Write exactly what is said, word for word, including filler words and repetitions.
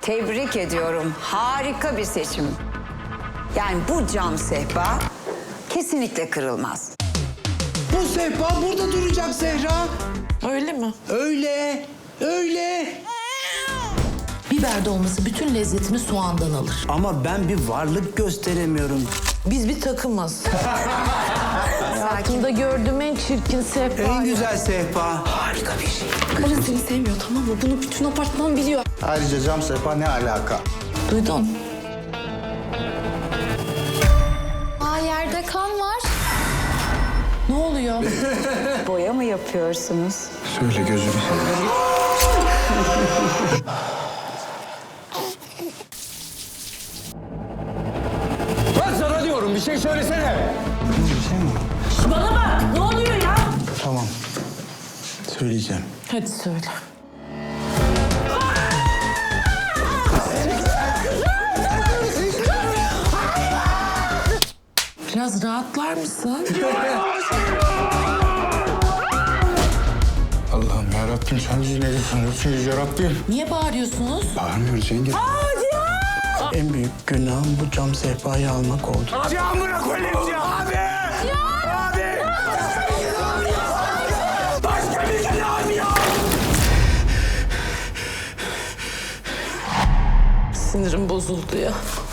Tebrik ediyorum. Harika bir seçim. Yani bu cam sehpa kesinlikle kırılmaz. Bu sehpa burada duracak Zehra. Öyle mi? Öyle, öyle. Biber dolması bütün lezzetini soğandan alır. Ama ben bir varlık gösteremiyorum. Biz bir takımız. Hayatımda gördüğüm en çirkin sehpa. En güzel sehpa. Harika bir şey. Karın seni sevmiyor, tamam mı? Bunu bütün apartman biliyor. Ayrıca cam sehpa ne alaka? Duydun. Aa, yerde kan var. Ne oluyor? Boya mı yapıyorsunuz? Söyle gözünü seveyim. Ben sana diyorum bir şey söylesene. Bir şey mi? Bana bak, ne oluyor ya? Tamam. Söyleyeceğim. Hadi söyle. Biraz rahatlar mısın? Allah'ım yarabbim sen bizi ne düşünüyorsunuz yarabbim? Niye bağırıyorsunuz? Bağırmıyoruz yenge. En büyük günahım bu cam sehpayı almak oldu. Abi amına koyayım ya. Abi. Abi. Başka bir günahım yok. Sinirim bozuldu ya.